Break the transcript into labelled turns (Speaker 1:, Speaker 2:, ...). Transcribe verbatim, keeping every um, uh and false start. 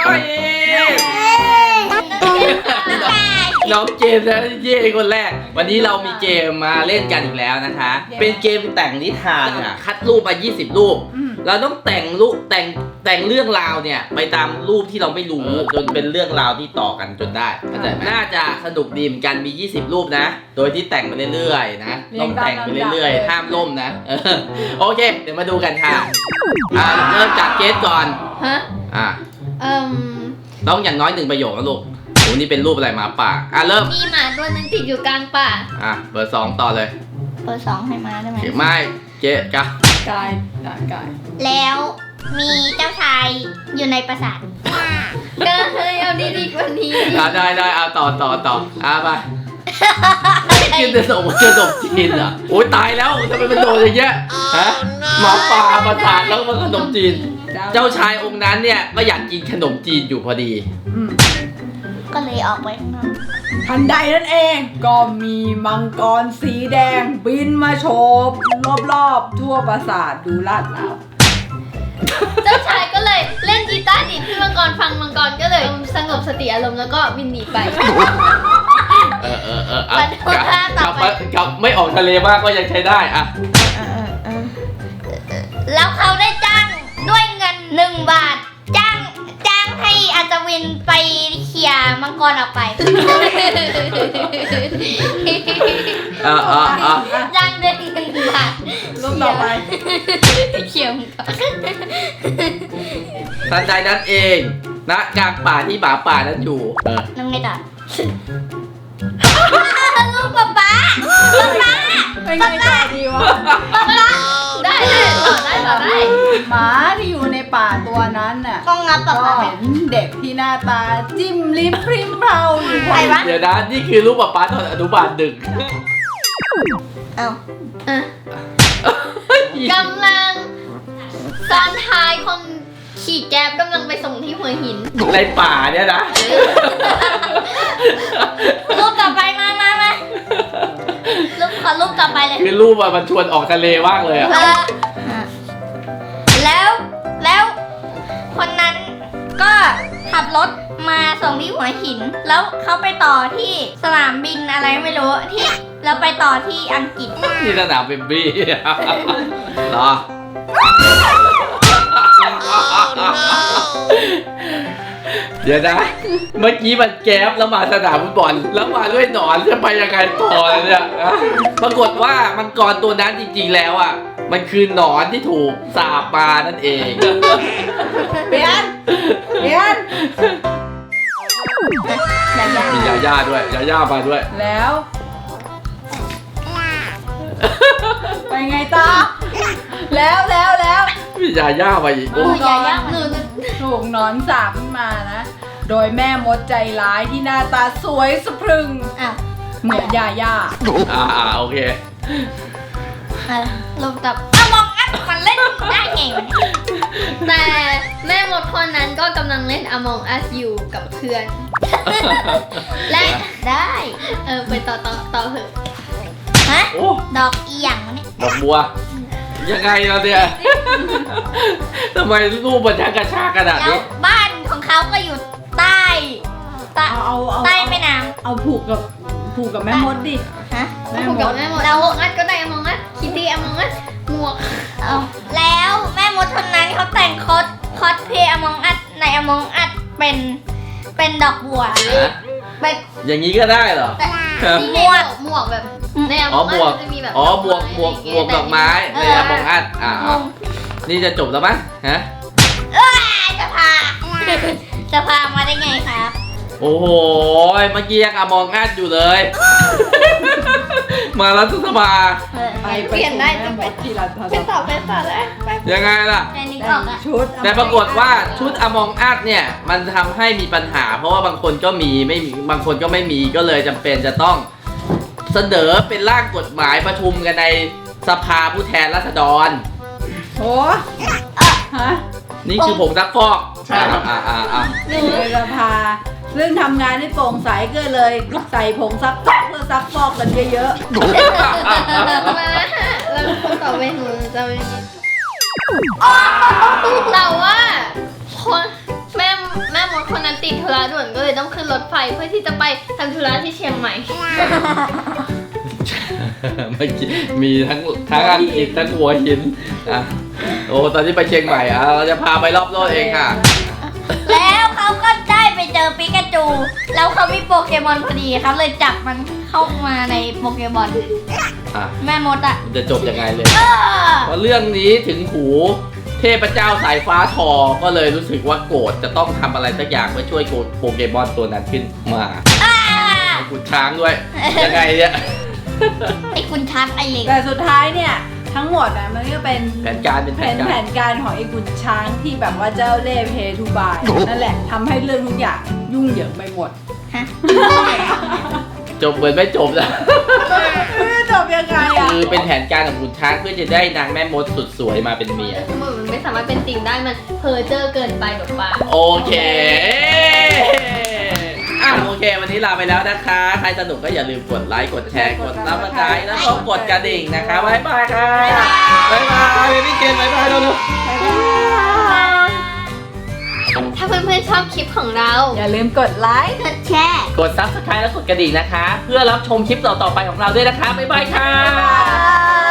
Speaker 1: ไปน้องเจมส์และเย่คนแรกวันนี้เรามีเกมมาเล่นกันอีกแล้วนะคะ เป็นเกมแต่งนิทานอ่ะคัดรูปมายี่สิบรูปเราต้องแต่งรูปแต่งแต่งเรื่องราวเนี่ยไปตามรูปที่เราไม่รู้จนเป็นเรื่องราวที่ต่อกันจนได้เข้าใจไหมน่าจะสนุกดีเหมือนกันมียี่สิบรูปนะโดยที่แต่งไปเรื่อยๆนะต้องแต่งไปเรื่อยๆห้ามล่มนะโอเคเดี๋ยวมาดูกันค่ะอ่าเริ่มจากเกสก่อน
Speaker 2: ฮะ
Speaker 1: อ่า
Speaker 2: เอ่ม
Speaker 1: ต้องอย่างน้อยหนึ่งประโยคนะลูกโอ้นี่เป็นรูปอะไรหมาป่าอ่ะเริ่ม
Speaker 2: มีหมาตัวนึงติดอยู่กลางป่า
Speaker 1: อ่ะเบอร์สองต่อเลย
Speaker 2: เบอร์สองให้มาได้ไหม
Speaker 1: ไม่เจ๊กะ
Speaker 3: กายกาย
Speaker 2: แล้วมีเจ้าชายอยู่ในปราสาทก็เฮ้ยเอาดีๆกว่านี้
Speaker 1: อ่ะได้ได้เอาต่อต่อต่ออ่ะไปกินแต่สมเจอสมจีนอ่ะโอ้ยตายแล้วทำไมมันโดนอย่างเงี้ยฮะหมาป่าปราสาทแล้วมันขนมจีนเจ้าชายองค์นั้นเนี่ยก็อยากกินขนมจีนอยู่พอดี
Speaker 2: ก็เลยออกไปข้างนอก
Speaker 3: ทันใดนั่นเองก็มีมังกรสีแดงบินมาโฉบรอบๆทั่วปราสาทดูลาดเหลา
Speaker 2: เจ้าชายก็เลยเล่นกีตาร์ดีดให้มังกรฟังมังกรก็เลยสงบสติอารมณ์แล้วก็บินหนีไป
Speaker 1: เออเออเออเอากลับกลับไม่ออกทะเลมากก็ยังใช้ได้อะ
Speaker 2: แล้วเขาได้จ้างด้วยเงินหนึ่งบาทจ้างจ้างให้อัศวินไปเขี่ยมังกรออกไป
Speaker 1: อ่าอ่าอ่า
Speaker 2: จ้างด้วยหนึ่งบาท
Speaker 3: รูปต่อไป
Speaker 2: เขี่ยมังกร
Speaker 1: ทันใดนั้นเองณกลางป่าที่หมาป่านั้นอยู่
Speaker 2: นั่งไงต่อลูกป๊าป๊าป๊าป๊า
Speaker 3: เป็นไงต่อดีวะ
Speaker 2: ได้ได้ต่อได้ต่อได้
Speaker 3: หมาที่อยู่ในป่าตัวนั้นน่ะ
Speaker 2: ก็งับป๊าป๊า
Speaker 3: เห็นเด็กที่หน้าตาจิ้มลิ้มพริ้มเผาอยู่
Speaker 2: ใครวะ
Speaker 1: เดี๋ยวนะนี่คือลูกป๊าป๊าตอนอนุบาลหนึ่ง
Speaker 2: เอ้าอ่ะกำลังซ้อนท้ายคนขี่แก๊บกำลังไปส่งที่หัวหิน
Speaker 1: ในป่าเนี่ยนะ
Speaker 2: รูปต่อไปมามามารูปขอรูปต่อไปเลย
Speaker 1: คือรูปมันชวนออกทะเลมากเลยอะ
Speaker 2: แล้วแล้วคนนั้นก็ขับรถมาส่งที่หัวหินแล้วเขาไปต่อที่สนามบินอะไรไม่รู้ที่แล้วไปต่อที่อังกฤษ
Speaker 1: ที่สนามบินบี้เหรอเดี๋ยวนะเมื่อกี้มันแก๊บแล้วมาสนามฟุตบอลแล้วมาด้วยหนอนจะไปยังไงต่อเนี่ยปรากฏว่ามังกรตัวนั้นจริงๆแล้วอ่ะมันคือหนอนที่ถูกสาบมานั่นเอง
Speaker 3: เปลี่ยนเปลี่ยน
Speaker 1: มียาย่าด้วยยาย่ามาด้วย
Speaker 3: แล้วไปไงต่อแล้วแล้วแล้ว
Speaker 1: มียาย่ามาอีก
Speaker 2: โอ้ยาย่า
Speaker 3: ถูกหนอนสาบขึ้นมานะโดยแม่มดใจร้ายที่หน้าตาสวยสะพรึงเหมือนยาย่า
Speaker 1: อ่าอ่าโอเค
Speaker 2: ลงกับอมองอัดมันเล่นได้ไงแต่แม่มดคนนั้นก็กำลังเล่น Among Us อยู่กับเพื่อนและได้เออไปต่อต่อต่อเถอะฮะดอกอีหยังเนี่ย
Speaker 1: ดอกบัวยังไงเราเนี่ยทำไมรูปมันช่างกระชากขนาดนี้
Speaker 2: บ้านของเขาก็อยู่ใต้ใต้ใต้แม่น้ำ
Speaker 3: เอาผูกกับผูกกับแม่มดดิ
Speaker 2: ฮะผูกกับแม่มดเราอัดก็ได้อมองอัดคิตตี้อมองอัดหมวกแล้วแม่มดคนนั้นเขาแต่งคอสคอสเพย์อมองอัดในอมองอัดเป็นเป็นดอกบัว
Speaker 1: เป็นอย่างนี้ก็ได้เหรอ
Speaker 2: หมวกหมวกแบบในอมองอัดจะมีแบบ
Speaker 1: อ๋อบวกบวกบวกดอกไม้ในอมองอัดอ่านี่จะจบแล้วมั้ยฮะ
Speaker 2: เอ้ยจะพาจะพามาได้ไงครับ
Speaker 1: โอ้โหเมื่อกี้ยังอมองอัดอยู่เลยมาแล้วสบาย
Speaker 2: ไปเปลี่ยนได้จะไปที่ร้านไปต่อไปต่อเลย
Speaker 1: ยังไงล่ะ
Speaker 3: ชุด
Speaker 1: แต่ปรากฏว่าชุดอมองอัดเนี่ยมันทำให้มีปัญหาเพราะว่าบางคนก็มีไม่มีบางคนก็ไม่มีก็เลยจำเป็นจะต้องเสนอเป็นร่างกฎหมายประชุมกันในสภาผู้แทนราษฎร
Speaker 3: โอ้ฮะ
Speaker 1: นี่คือผงซักฟอกอ่าอ่าอ่า
Speaker 3: ในสภาเรื่องทำงานให้โปร่งใสก็เลยใส่ผงซักฟอกเพื่อซักฟอกกันเยอะ
Speaker 2: ๆแล้วต่อไปหนูจะเป็นแต่ว่าคนแม่แม่มดคนนั้นติดธุระด่วนก็เลยต้องขึ้นรถไฟเพื่อที่จะไปทำธุระที่เชียงใหม่
Speaker 1: เมื่อกี้มีทั้งทั้งอังกฤษทั้งหัวหินอ่ะโอ้ตอนนี้ไปเชียงใหม่อ่ะเราจะพาไปรอบโลกเองค่ะ
Speaker 2: แล้วเขาก็ได้ไปเจอปิกาจู แล้วเขามีโปเกมอนพอดีเขาเลยจับมันเข้ามาในโปเกมอน
Speaker 1: อ่ะ
Speaker 2: แม่มดอ่ะ
Speaker 1: มันจะจบยังไงเลย
Speaker 2: เออ
Speaker 1: เพราะเรื่องนี้ถึงหูเทพเจ้าสายฟ้าทอก็เลยรู้สึกว่าโกรธจะต้องทำอะไรสักอย่างเพื่อช่วยโปเกมอนตัวนั้นขึ้นมา
Speaker 2: อ่า
Speaker 1: ขุนช้างด้วย ยังไงเนี่ย
Speaker 2: ไอ้คุณชักไอ้เหล็ก
Speaker 3: แต่สุดท้ายเนี่ยทั้งหมดนะมันก็เป็น
Speaker 1: แผนการเป็น
Speaker 3: แผ
Speaker 1: แผน
Speaker 3: น
Speaker 1: การ
Speaker 3: แผนการของไอ้ขุนช้างที่แบบว่าเจ้าเล่ห์เพทูบายนั่นแหละทำให้เรื่องทุกอย่างยุ่งเหยิงไปหมด
Speaker 2: ฮะ
Speaker 1: จบเหมือนไม่จบนะ
Speaker 3: ไม่รู้จบยังไงอ่ะ
Speaker 1: คือเป็นแผนการของขุนช้างเพื่อจะได้นางแม่มดสุดสวยมาเป็นเมีย
Speaker 2: เหมือนมันไม่สามารถเป็นจริงได้มันเพอเจอเกินไปแบบว่า
Speaker 1: โอเคอ่ะโอเค วันนี้ลาไปแล้วนะคะ ใครสนุกก็อย่าลืมกดไลค์ กดแชร์ กดซับสไครต์แล้วก็กดกระดิ่งนะคะบ๊ายบายค่ะบ๊ายบายพี่เกณฑ์บ๊ายบายแล้วลูก
Speaker 2: ถ้าเพื่อนๆชอบคลิปของเรา
Speaker 3: อย่าลืมกดไลค์
Speaker 2: กดแชร์
Speaker 1: กดซับสไครต์แล้วกดกระดิ่งนะคะ เพื่อรับชมคลิปต่อๆไปของเราด้วยนะคะบ๊ายบายค่ะ
Speaker 3: บ๊ายบาย